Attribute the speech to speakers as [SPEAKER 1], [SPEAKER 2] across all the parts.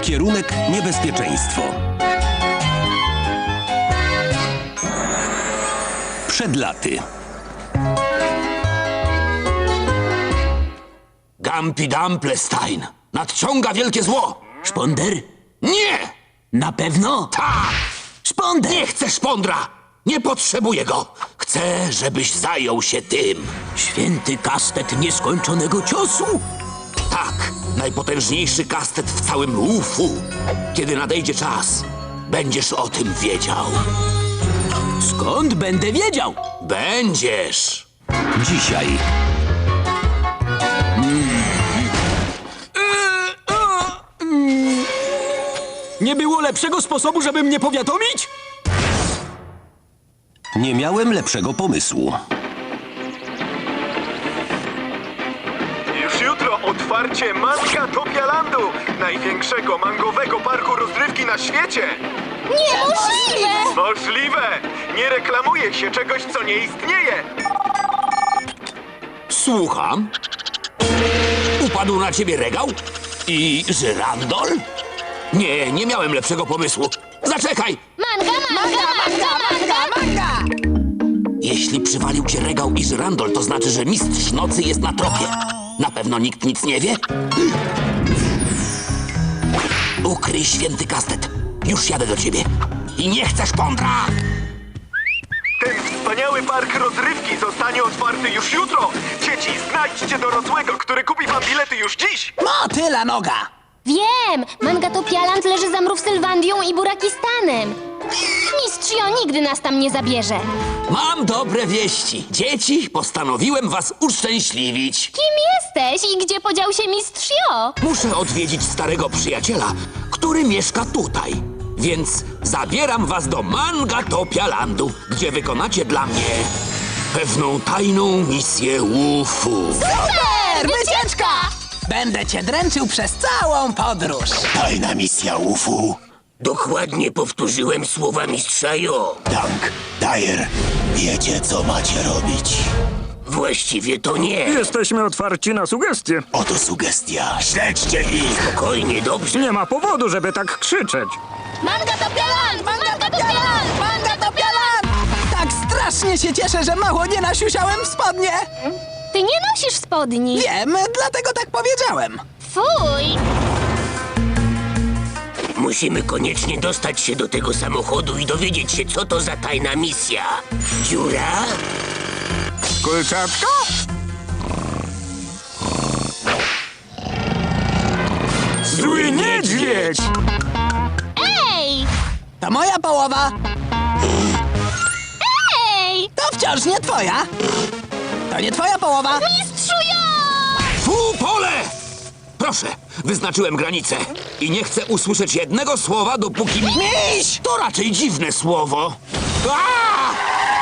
[SPEAKER 1] Kierunek niebezpieczeństwo. Przed laty.
[SPEAKER 2] Gampi Dumplestein nadciąga wielkie zło.
[SPEAKER 3] Szponder?
[SPEAKER 2] Nie!
[SPEAKER 3] Na pewno?
[SPEAKER 2] Tak!
[SPEAKER 3] Szponder!
[SPEAKER 2] Nie chcę szpondra! Nie potrzebuję go! Chcę, żebyś zajął się tym.
[SPEAKER 3] Święty kastet nieskończonego ciosu?
[SPEAKER 2] Tak, najpotężniejszy kastet w całym UFU. Kiedy nadejdzie czas, będziesz o tym wiedział.
[SPEAKER 3] Skąd będę wiedział?
[SPEAKER 2] Będziesz.
[SPEAKER 1] Dzisiaj.
[SPEAKER 3] Nie było lepszego sposobu, żeby mnie powiadomić?
[SPEAKER 1] Nie miałem lepszego pomysłu.
[SPEAKER 4] Już jutro otwarcie Mangatopialandu, największego mangowego parku rozrywki na świecie.
[SPEAKER 5] Niemożliwe!
[SPEAKER 4] Możliwe! Nie reklamuje się czegoś, co nie istnieje.
[SPEAKER 2] Słucham. Upadł na ciebie regał? I żyrandol? Nie, nie miałem lepszego pomysłu. Zaczekaj!
[SPEAKER 5] Manga, manga, manga, manga, manga!
[SPEAKER 2] Jeśli przywalił cię regał i żyrandol, to znaczy, że mistrz nocy jest na tropie. Na pewno nikt nic nie wie? Ukryj święty kastet. Już jadę do ciebie. I nie chcę szpondra!
[SPEAKER 4] Ten wspaniały park rozrywki zostanie otwarty już jutro. Dzieci, znajdźcie dorosłego, który kupi wam bilety już dziś.
[SPEAKER 3] Motyla noga!
[SPEAKER 5] Wiem! Mangatopialand leży za Mrówsylwandią i Burakistanem. Mistrz Jo nigdy nas tam nie zabierze.
[SPEAKER 2] Mam dobre wieści. Dzieci, postanowiłem was uszczęśliwić.
[SPEAKER 5] Kim jesteś i gdzie podział się mistrz Jo?
[SPEAKER 2] Muszę odwiedzić starego przyjaciela, który mieszka tutaj. Więc zabieram was do Mangatopialandu, gdzie wykonacie dla mnie pewną tajną misję UFU.
[SPEAKER 5] Super! Wycieczka!
[SPEAKER 3] Będę cię dręczył przez całą podróż.
[SPEAKER 6] Tajna misja UFU.
[SPEAKER 2] Dokładnie powtórzyłem słowa mistrza Jo.
[SPEAKER 6] Dank, Dyer, wiecie, co macie robić.
[SPEAKER 2] Właściwie to nie.
[SPEAKER 7] Jesteśmy otwarci na sugestie.
[SPEAKER 6] Oto sugestia. Śledźcie ich.
[SPEAKER 2] Spokojnie, dobrze.
[SPEAKER 7] Nie ma powodu, żeby tak krzyczeć.
[SPEAKER 5] Mangatopialand! Mangatopialand! Mangatopialand!
[SPEAKER 3] Tak strasznie się cieszę, że mało nie nasiusiałem w spodnie.
[SPEAKER 5] Ty nie nosisz spodni.
[SPEAKER 3] Wiem, dlatego tak powiedziałem.
[SPEAKER 5] Fuj!
[SPEAKER 2] Musimy koniecznie dostać się do tego samochodu i dowiedzieć się, co to za tajna misja. Dziura?
[SPEAKER 7] Kulczatka? Zły niedźwiedź!
[SPEAKER 5] Ej!
[SPEAKER 3] To moja połowa.
[SPEAKER 5] Ej!
[SPEAKER 3] To wciąż nie twoja. To nie twoja połowa.
[SPEAKER 5] Mistrzu Jo!
[SPEAKER 2] Fu, pole! Proszę, wyznaczyłem granicę i nie chcę usłyszeć jednego słowa, dopóki mi...
[SPEAKER 3] Miś!
[SPEAKER 2] To raczej dziwne słowo. Aaa!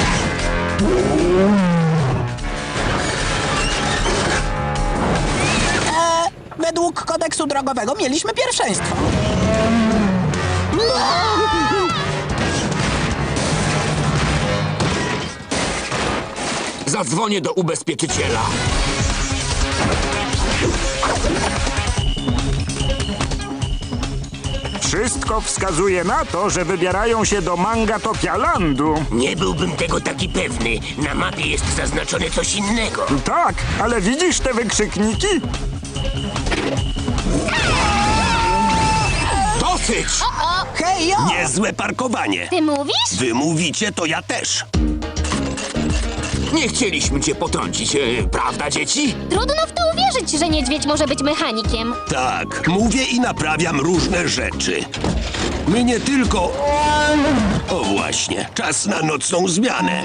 [SPEAKER 3] Według kodeksu drogowego mieliśmy pierwszeństwo.
[SPEAKER 2] Zadzwonię do ubezpieczyciela.
[SPEAKER 7] Wszystko wskazuje na to, że wybierają się do Mangatopialandu.
[SPEAKER 2] Nie byłbym tego taki pewny. Na mapie jest zaznaczone coś innego.
[SPEAKER 7] Tak, ale widzisz te wykrzykniki?
[SPEAKER 2] Dosyć!
[SPEAKER 3] Hej, Jo!
[SPEAKER 1] Niezłe parkowanie.
[SPEAKER 5] Ty mówisz?
[SPEAKER 1] Wy mówicie, to ja też.
[SPEAKER 2] Nie chcieliśmy cię potrącić, prawda, dzieci?
[SPEAKER 5] Trudno w to uwierzyć, że niedźwiedź może być mechanikiem.
[SPEAKER 1] Tak, mówię i naprawiam różne rzeczy. My nie tylko... O właśnie, czas na nocną zmianę.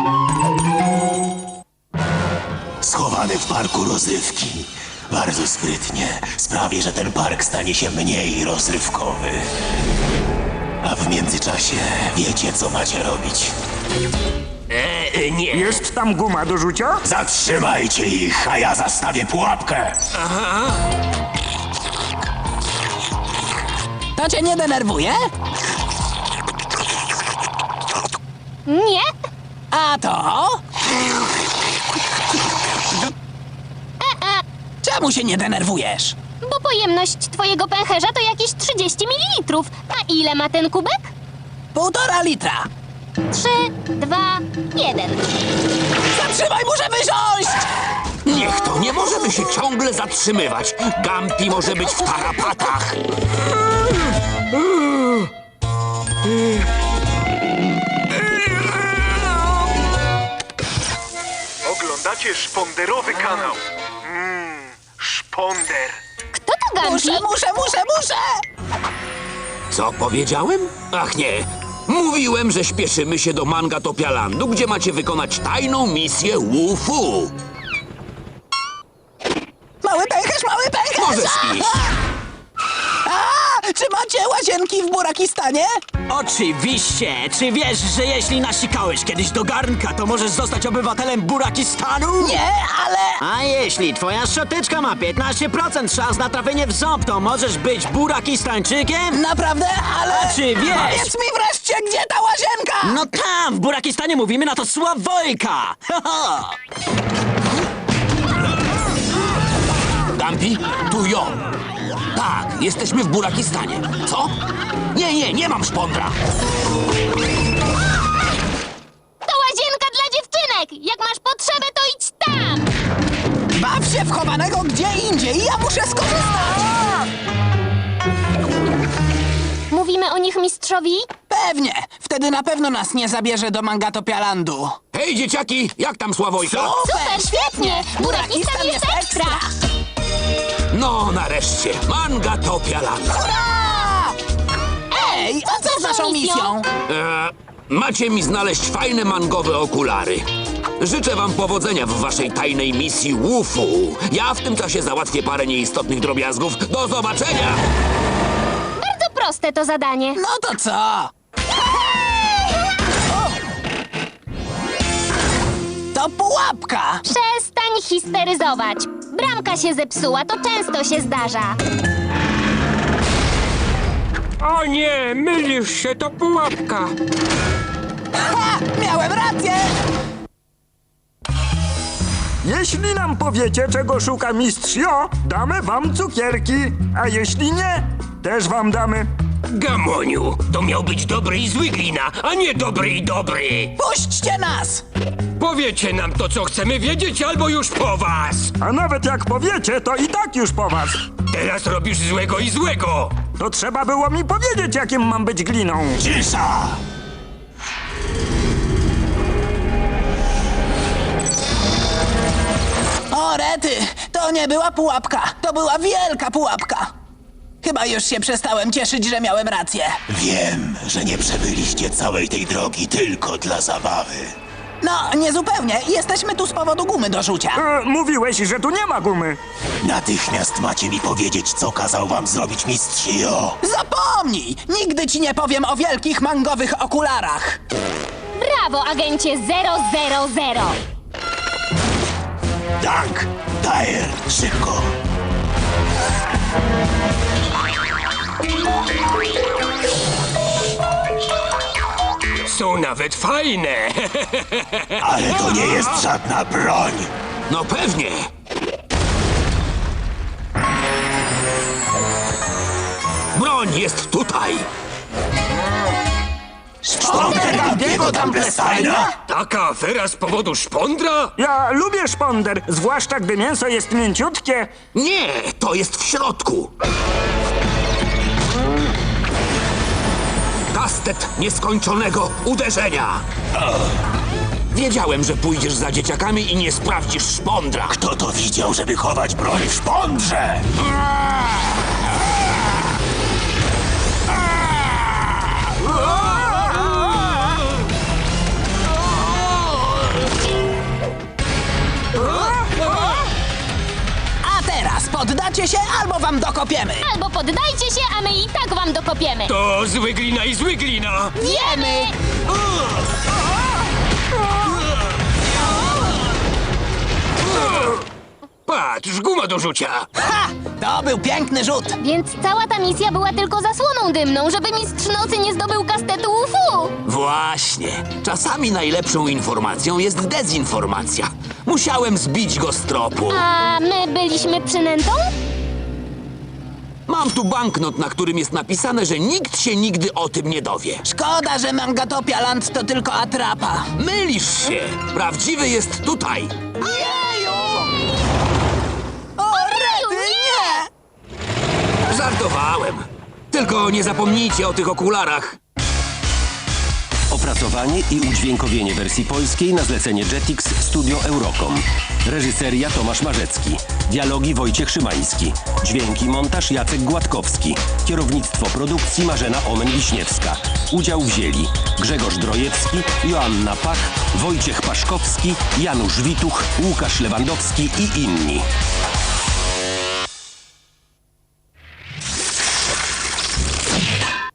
[SPEAKER 6] Schowany w parku rozrywki. Bardzo sprytnie. Sprawi, że ten park stanie się mniej rozrywkowy. A w międzyczasie wiecie, co macie robić.
[SPEAKER 2] Nie.
[SPEAKER 7] Jest tam guma do rzucia?
[SPEAKER 6] Zatrzymajcie ich, a ja zastawię pułapkę.
[SPEAKER 3] To cię nie denerwuje?
[SPEAKER 5] Nie?
[SPEAKER 3] A to? Czemu się nie denerwujesz?
[SPEAKER 5] Bo pojemność twojego pęcherza to jakieś 30 ml. A ile ma ten kubek?
[SPEAKER 3] 1,5 litra.
[SPEAKER 5] 3, 2, 1.
[SPEAKER 3] Zatrzymaj, muszę wysiąść!
[SPEAKER 2] Niech to, nie możemy się ciągle zatrzymywać. Gampi może być w tarapatach.
[SPEAKER 4] Oglądacie szponderowy kanał. Szponder.
[SPEAKER 5] Kto to Gampi?
[SPEAKER 3] Muszę!
[SPEAKER 2] Co powiedziałem? Ach nie. Mówiłem, że śpieszymy się do Mangatopialandu, gdzie macie wykonać tajną misję Wu-Fu.
[SPEAKER 3] Mały pęcherz!
[SPEAKER 2] Możesz iść.
[SPEAKER 3] Czy macie łazienki w Burakistanie?
[SPEAKER 8] Oczywiście! Czy wiesz, że jeśli nasikałeś kiedyś do garnka, to możesz zostać obywatelem Burakistanu?
[SPEAKER 3] Nie, ale...
[SPEAKER 8] A jeśli twoja szczoteczka ma 15% szans na trafienie w ząb, to możesz być Burakistańczykiem?
[SPEAKER 3] Naprawdę, ale...
[SPEAKER 8] A czy wiesz?
[SPEAKER 3] Powiedz mi wreszcie, gdzie ta łazienka!
[SPEAKER 8] No tam, w Burakistanie mówimy na to Sławojka! Ha, ha.
[SPEAKER 2] Gampi, tu ją. Tak, jesteśmy w Burakistanie. Co? Nie mam szpondra.
[SPEAKER 5] To łazienka dla dziewczynek! Jak masz potrzebę, to idź tam!
[SPEAKER 3] Baw się w chowanego gdzie indziej, ja muszę skorzystać!
[SPEAKER 5] Mówimy o nich mistrzowi?
[SPEAKER 3] Pewnie, wtedy na pewno nas nie zabierze do Mangatopialandu.
[SPEAKER 2] Hej, dzieciaki, jak tam Sławojka?
[SPEAKER 5] Super, świetnie! Burakistan jest ekstra!
[SPEAKER 2] No, nareszcie, Mangatopialand.
[SPEAKER 3] Ej, a co z naszą misją?
[SPEAKER 2] Macie mi znaleźć fajne mangowe okulary. Życzę wam powodzenia w waszej tajnej misji Wu-Fu. Ja w tym czasie załatwię parę nieistotnych drobiazgów. Do zobaczenia!
[SPEAKER 5] Bardzo proste to zadanie.
[SPEAKER 3] No to co? To pułapka!
[SPEAKER 5] Przestań histeryzować. Bramka się zepsuła, to często się zdarza.
[SPEAKER 9] O nie, mylisz się, to pułapka.
[SPEAKER 3] Ha! Miałem rację!
[SPEAKER 7] Jeśli nam powiecie, czego szuka mistrz Jo, damy wam cukierki. A jeśli nie, też wam damy.
[SPEAKER 9] Gamoniu, to miał być dobry i zły glina, a nie dobry i dobry.
[SPEAKER 3] Puśćcie nas!
[SPEAKER 9] Powiecie nam to, co chcemy wiedzieć, albo już po was.
[SPEAKER 7] A nawet jak powiecie, to i tak już po was.
[SPEAKER 9] Teraz robisz złego i złego.
[SPEAKER 7] To trzeba było mi powiedzieć, jakim mam być gliną.
[SPEAKER 6] Cisza!
[SPEAKER 3] O, rety! To nie była pułapka, to była wielka pułapka! Chyba już się przestałem cieszyć, że miałem rację.
[SPEAKER 6] Wiem, że nie przebyliście całej tej drogi tylko dla zabawy.
[SPEAKER 3] No, niezupełnie. Jesteśmy tu z powodu gumy do rzucia.
[SPEAKER 7] Mówiłeś, że tu nie ma gumy.
[SPEAKER 6] Natychmiast macie mi powiedzieć, co kazał wam zrobić mistrz Jo.
[SPEAKER 3] Zapomnij! Nigdy ci nie powiem o wielkich mangowych okularach.
[SPEAKER 5] Brawo, agencie 000!
[SPEAKER 6] Dank, Dyer, szybko.
[SPEAKER 9] Są nawet fajne.
[SPEAKER 6] Ale to nie jest żadna broń.
[SPEAKER 2] No pewnie. Broń jest tutaj.
[SPEAKER 6] Szponder Gampiego Dumblesteina?
[SPEAKER 9] Taka afera z powodu szpondra?
[SPEAKER 7] Ja lubię szponder, zwłaszcza gdy mięso jest mięciutkie.
[SPEAKER 2] Nie, to jest w środku. Kastet nieskończonego uderzenia. Wiedziałem, że pójdziesz za dzieciakami i nie sprawdzisz szpondra.
[SPEAKER 6] Kto to widział, żeby chować broń w szpondrze?
[SPEAKER 3] A teraz poddacie się, albo wam dokopiemy.
[SPEAKER 5] Albo poddajcie się, a my i tak wam dokopiemy.
[SPEAKER 9] To zły glina i zły glina.
[SPEAKER 5] Wiemy!
[SPEAKER 9] Patrz, guma do rzucia.
[SPEAKER 3] Ha! To był piękny rzut.
[SPEAKER 5] Więc cała ta misja była tylko zasłoną dymną, żeby mistrz nocy nie zdobył kastetu UFU.
[SPEAKER 2] Właśnie. Czasami najlepszą informacją jest dezinformacja. Musiałem zbić go z tropu.
[SPEAKER 5] A my byliśmy przynętą?
[SPEAKER 2] Mam tu banknot, na którym jest napisane, że nikt się nigdy o tym nie dowie.
[SPEAKER 3] Szkoda, że Mangatopia Land to tylko atrapa.
[SPEAKER 2] Mylisz się! Prawdziwy jest tutaj!
[SPEAKER 3] Jeju! O, rety, nie!
[SPEAKER 2] Żartowałem. Tylko nie zapomnijcie o tych okularach.
[SPEAKER 1] Opracowanie i udźwiękowienie wersji polskiej na zlecenie Jetix Studio Eurocom. Reżyseria Tomasz Marzecki. Dialogi Wojciech Szymański. Dźwięki montaż Jacek Gładkowski. Kierownictwo produkcji Marzena Omen-Wiśniewska. Udział wzięli Grzegorz Drojewski, Joanna Pach, Wojciech Paszkowski, Janusz Wituch, Łukasz Lewandowski i inni.